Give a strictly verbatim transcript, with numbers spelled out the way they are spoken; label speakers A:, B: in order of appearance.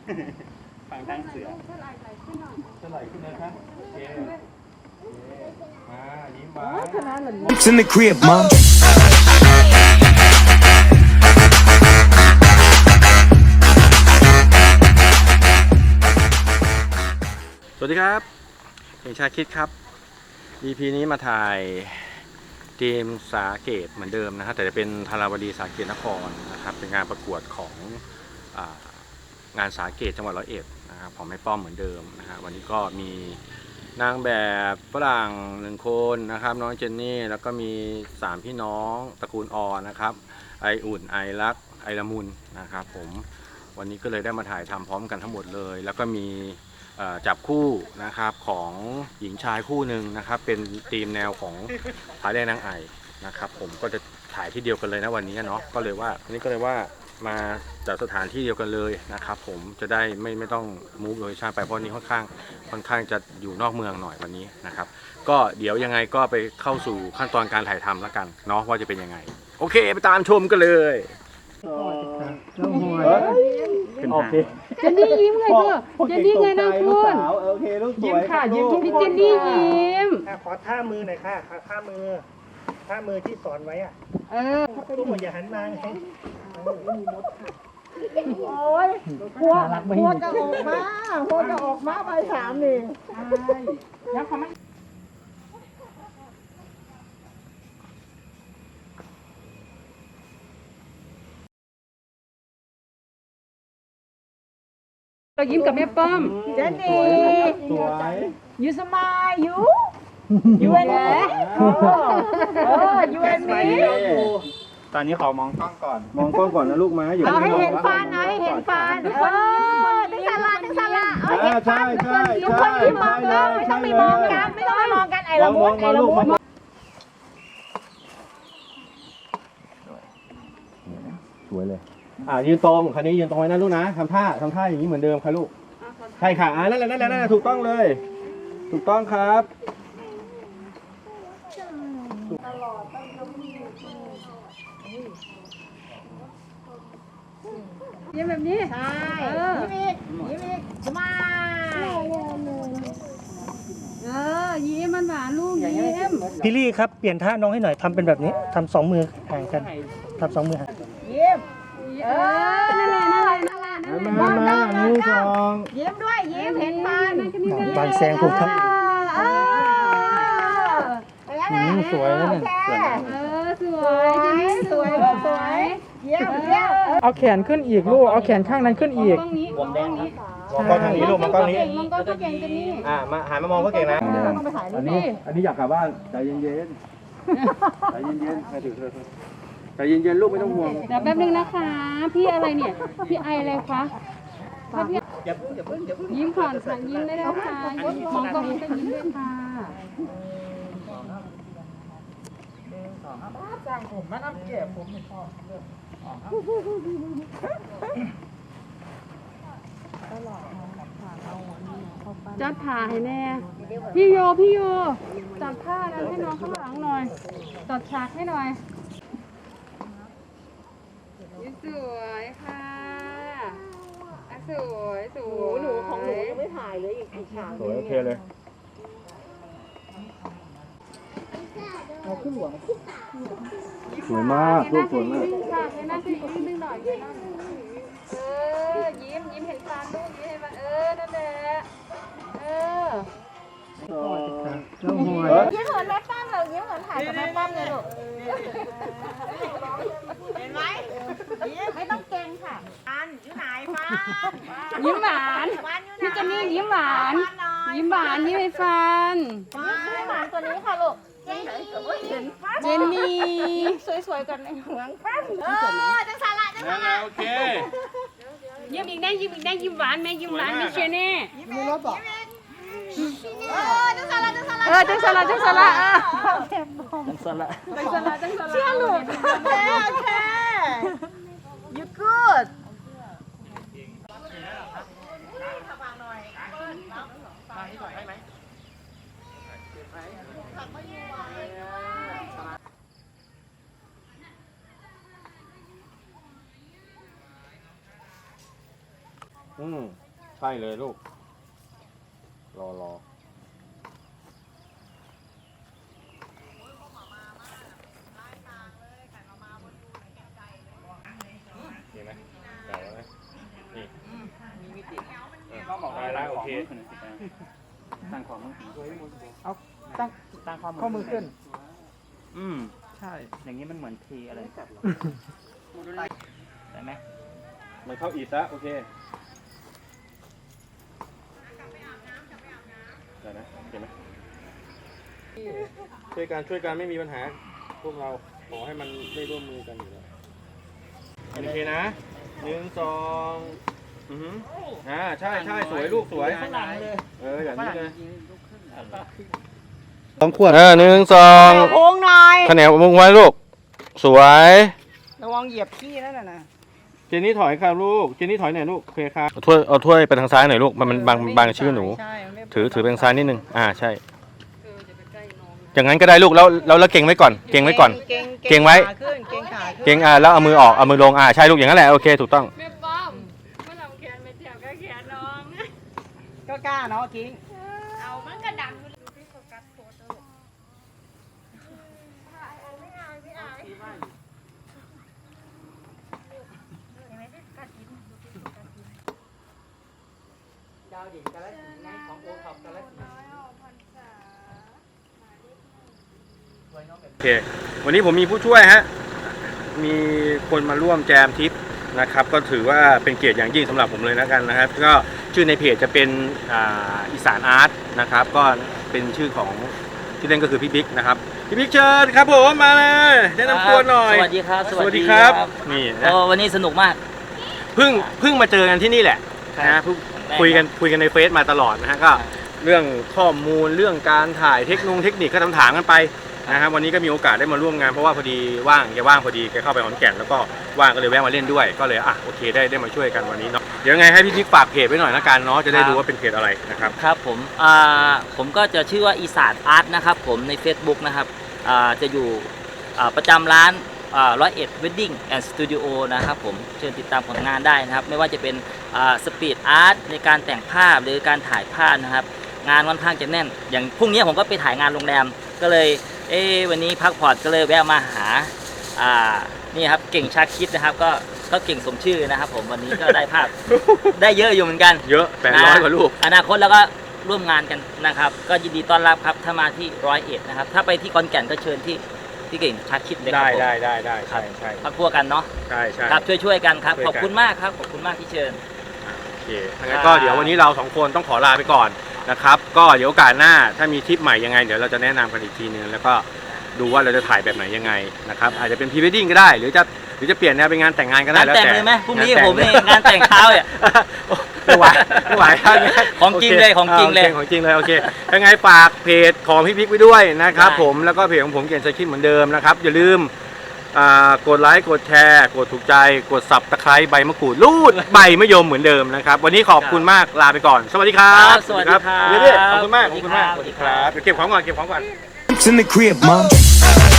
A: ฝั่งทางเสือเท่าไหร่ขึ้นหน่อยเท่าไหร่ขึ้นนะครับโอเคมายิ้มหวาน
B: It's in the crib, mom.
A: สวัสดีครับเก่งชาคิดครับ อี พี นี้มาถ่ายทีมสาเกตเหมือนเดิมนะครับแต่จะเป็นธาราวดีสาเกตนครนะครับเป็นงานประกวดของอ่างานสาเกตจังหวัดร้อยเอ็ดนะครับของแม่ป้อมเหมือนเดิมนะฮะวันนี้ก็มีนางแบบฝรั่งหนึ่งคนนะครับน้องเจนนี่แล้วก็มีสามพี่น้องตระกูลออนะครับไออุ่นไอรักไอละมุนนะครับผมวันนี้ก็เลยได้มาถ่ายทำพร้อมกันทั้งหมดเลยแล้วก็มีจับคู่นะครับของหญิงชายคู่หนึ่งนะครับเป็นธีมแนวของผาแดงนางไอนะครับผมก็จะถ่ายที่เดียวกันเลยนะวันนี้เนาะก็เลยว่าวันนี้ก็เลยว่ามาจากสถานที่เดียวกันเลยนะครับผมจะได้ไม่ไม่ต้องมูฟโลเคชั่นไปเพราะนี้ค่อนข้างค่อนข้างจะอยู่นอกเมืองหน่อยวันนี้นะครับก็เดี๋ยวยังไงก็ไปเข้าสู่ขั้นตอนการถ่ายทำแล้วกันเนาะว่าจะเป็นยังไงโอเคไปตามชมกันเลยเป็นโอเค
C: เจนนี่ยิ้มไงเพื่อเจนนี่ไงนะคุณ
A: โอเคลูกสวย
C: ยิ้มค่ะยิ้มพี่เจนนี่ยิ้ม
D: ขอท่ามือหน่อยค่ะท่ามือท่ามือที่สอนไว้อ่ะ
C: เออ
D: ลูกอย่าหันมาไง
E: โอ้ยหัวหัวจะออกมาหัวจะออกมาใบสามนี่
C: ใช่แล้วเขาไม่เรายิ้มกับแม่ป้อม
E: เจนนี่
A: สวย
E: ยูสมายยูยูเอ็นเอเออยูเอ็นมี
A: ตอนนี้ขอมองกล้องก่อนมองกล้องก่อนนะลูกมาอยู่
E: เอาให้เห็นฟันเอาให้เห็นฟันเออตึงสาระตึงสาระเอาเห็นฟันทุกคนที่มองเราไม่ต้องไปมองกันไม่ต้องไปมองกันไอ้ละมุนไอ้ละมุน
A: สวยเลยอ่ายืนตรงคันนี้ยืนตรงไว้นะลูกนะทำท่าทำท่าอย่างนี้เหมือนเดิมค่ะลูกใช่ค่ะอ่านั่นแหละนั่นแหละนั่นแหละถูกต้องเลยถูกต้องครับ
C: ยิ้มแบบนี้
E: ใช่ยิ้มอีกยิ้มอีกสมาย
C: เออยิ้มมันหวานลูกยิ้ม
D: พี่ลี่ครับเปลี่ยนท่าน้องให้หน่อยทำเป็นแบบนี้ทำสองมือห่างกันทำสองมือห่าง
E: ยิ้ม
C: เออนั่นแหละนั่นแหละนั่นแหละนั่นแหละ
A: มามาหนึ่งสอง
E: ยิ้มด้วยยิ้มเห็นฟัน
D: บานแซงถูกทั้งสวยแล้วเนี่ย
C: เออสวยสวยสวยสวย
E: เยี่ยมเยี่ยม
D: เอาแขนขึ้นอีกลูกเอาแขนข้างนั้นขึ้นอีก
C: มองนี้มองนี้
A: มองกล้องทางนี้ลูกมองกล้องนี้
C: มองกล้องก็เก่งจะนี่
A: อ่ามาหันมามองก็เก่งนะอันนี้อันนี้อยากกลับบ้านใจเย็นๆใจเย็นๆให้ถือเธอใจเย็นๆลูกไม่ต้องห่วง
C: เดี๋ยวแป๊บนึงนะคะพี่อะไรเนี่ยพี่ไออะไรคะพี่ยิ้มก่อนค่ะยิ้มได้แล้วค่ะมองกล้องก็ยิ้มด้วยค่ะ
D: จ้างผมมาน้ำเก็บผมไม่ชอบเรื่อง
C: จัดผ่าให้แน่พี่โยพี่โยจัดผ้านั้นให้น้องข้างหลังหน่อยจัดฉากให้หน่อยสวยค่ะสวยสวย
E: หนูของหนูยังไม่ถ่ายเลยอีกฉาก
A: สวยโอเคเลยสวยมากลูกสวยมาก
C: ให้นั่งสิยิ้มหน่อยเออยิ้มยิ้มเห็นฟันลูกยิ้มเห็นฟันเออนั่นแหละเออ
E: ยิ้มเหมือนแม่ป้อมเลยยิ้มเหมือนถ่ายกับแม่ป้อมเลยลูกเห็นไหมไม่ต้องเก่งค่ะฟันอยู่ไหนฟัน
C: ยิ้มหวานพี่เจนนี่ยิ้มหวานยิ้มหวานยิ้มให้ฟัน
E: ยิ้มหวานตัวนี้ค่ะลูก
C: เจนนี่
E: สวยๆกันในหัวฟันเออจังสาระจังสาระ
A: โอเค
C: ยิ้มอีกได้ยิ้มอีกได้ยิ้มหวานแม่ยิ้มหวานไม่เชื่อแน่
E: มีรถบอกเออจังสาระจังสาระ
C: เออจังสาระจังสาระเออ
A: จังสละ
C: จังสาระจังสาระ
E: เชื่อลูกโอเคโอเค you good
A: โอืมใช่เลยลูก รอรอเห็นไหมเดี๋ยวนะนี่ได้แล้วโอเค
B: ตั้งความมือ
F: เอาตั้ง
B: ตั้งความ
F: ข้อมือขึ้น
B: อืมใช่อย่างนี้มันเหมือนเทอะไรได้ไหม
A: มันเข้าอีกแล้วโอเคได้นะเห็นไหมช่วยกันช่วยกันไม่มีปัญหาพวกเราขอให้มันได้ร่วมมือกันอยู่แล้วโอเคนะหนึ่งสองอือหืออ่าใช่ใช่สวยลูกสวยเอออย่างนี้เลยสองขวดเออหนึ่งสอง
F: โค้งหน่อย
A: คะแนนมุงไว้ลูกสวย
F: ระวังเหยียบขี้นั่นน่ะนะ
A: เจนนี่ถอยครับลูกเจนนี่ถอยหน่อยลูกโอเคครับเอาถ้วยเอาถ้วยไปทางซ้ายหน่อยลูกมันมันบังบังชื่อหนู
F: ใช่ไม่
A: ถือถือไปทางซ้ายนิดนึงอ่าใช่
C: เออจะไปใกล้น้อง
A: อย่างนั้นก็ได้ลูกแล้วแล้วแล้วเก่งไว้ก่อนเก่งไว้ก่อน
F: เก่ง
A: เก่งไว้
F: ขาขึ้นเก่งขาขึ้น
A: เก่งอ่าแล้วเอามือออกเอามือลงอ่าใช่ลูกอย่างนั้นแหละโอเคถูกต้อง
C: แม่ป้อมเมื่อลำแขนไม่แถวก็แขนน้อง
F: ก็กล้าเนาะกิ้ง
C: เอามันก็ดังอยู่
F: ดาวดิ่งกาลสินธุ์ไงของโอท็อปกาลสินธุ์
A: โอเค วันนี้ผมมีผู้ช่วยฮะ มีคนมาร่วมแจมทริปนะครับ ก็ถือว่าเป็นเกียรติอย่างยิ่งสำหรับผมเลยนะกันนะครับ ก็ชื่อในเพจจะเป็นอ่าอีสานอาร์ตนะครับ ก็เป็นชื่อของที่เล่นก็คือพี่บิ๊กนะครับ พี่บิ๊กเชิญครับผมมาเลยแนะนำตัวหน่อย
B: สวัสดีครับ
A: สวัสดีครับ นี่นะ
B: โอ้วันนี้สนุกมาก
A: เพิ่งเพิ่งมาเจอกันที่นี่แหละนะเพิ่งคุยกันคุยกันในเฟซมาตลอดนะฮะ ก็เรื่องข้อมูลเรื่องการถ่ายเทคโนโลยีเทคนิคก็ถามๆกันไปนะครับวันนี้ก็มีโอกาสได้มาร่วมงานเพราะว่าพอดีว่างแกว่างพอดีแกเข้าไปขอนแก่นแล้วก็ว่างก็เลยแวะมาเล่นด้วยก็เลยอ่ะโอเคได้ได้มาช่วยกันวันนี้เนาะเดี๋ยวยังไงให้พี่พิกฝากเพจไว้หน่อยละกันเนาะจะได้ดูว่าเป็นเพจอะไรนะครับ
B: ครับผมอ่าผมก็จะชื่อว่าอีสานอาร์ตนะครับผมใน Facebook นะครับอ่าจะอยู่อ่าประจำร้านร้อยเอ็ดเวดดิ้งแอนด์สตูดิโอนะครับผมเชิญติดตามผลงานได้นะครับไม่ว่าจะเป็นสปีดอาร์ตในการแต่งภาพหรือการถ่ายภาพนะครับงานค่อนข้างจะแน่นอย่างพรุ่งนี้ผมก็ไปถ่ายงานโรงแรมก็เลยเอ้วันนี้พักผ่อนก็เลยแวะมาหาอ่านี่ครับเก่งชาคิดนะครับก็ก็เก่งสมชื่อนะครับผมวันนี้ก็ได้ภาพ ได้เยอะอยู่เหมือนกัน
A: เยอะแปดร้อยกว่าลูก
B: อนาคตแล้วก็ร่วมงานกันนะครับก็ยินดีต้อนรับครับถ้ามาที่ร้อยเอ็ดนะครับถ้าไปที่ขอนแก่นก็เชิญที่ที่เก่งชาคิดเลยครั
A: ได้
B: บผม
A: ได้ได้ได้ใช่ใช่
B: พักพวกกันเนาะ
A: ใช่ใช่
B: ครับช่วยช่วยๆกันครับ
A: ช่วยกัน
B: ขอบคุณมากครับขอบคุณมากที่เชิญ
A: โอเคถ้างั้นก็เดี๋ยววันนี้เราสองคนต้องขอลาไปก่อนนะครับก็เดี๋ยวโอกาสหน้าถ้ามีทริปใหม่ยังไงเดี๋ยวเราจะแนะนำกันอีกทีนึงแล้วก็ดูว่าเราจะถ่ายแบบไหนยังไงนะครับอาจจะเป็นพรีเวดดิ้งก็ได้หรือจะหรือจะเปลี่ยนแนวเป็นงานแต่งงานก็ได้
B: งาน
A: แล้ว
B: แต่ง
A: แต่
B: เลยไหมพรุ่งนี้
A: าแต่
B: ผมนี่งานแต่งเช้าเนี่ย
A: ไม่ไหวไม่ไหวท่านนี้
B: ของจริงเลยของจริงเลย
A: โของจริงเลยโอเคยังไงฝากเพจของพี่พิกไว้ด้วยนะครับผมแล้วก็เพจของผมเกียรติชัยคิดเหมือนเดิมนะครับอย่าลืมอ่ากดไลค์กดแชร์กดถูกใจกดสับตะไคร้ใบมะกรูดลูดใบมะยมเหมือนเดิมนะครับวันนี้ขอบคุณมากลาไปก่อนสวัสดีครับ
B: สวัสดีครับ
A: เดี๋ยวๆขอบคุณมากขอบคุณมาก
B: สวัสดีครับ
A: เดี๋ยวเก็บของก่อนเก็บของก่อน
G: in the crib, mom.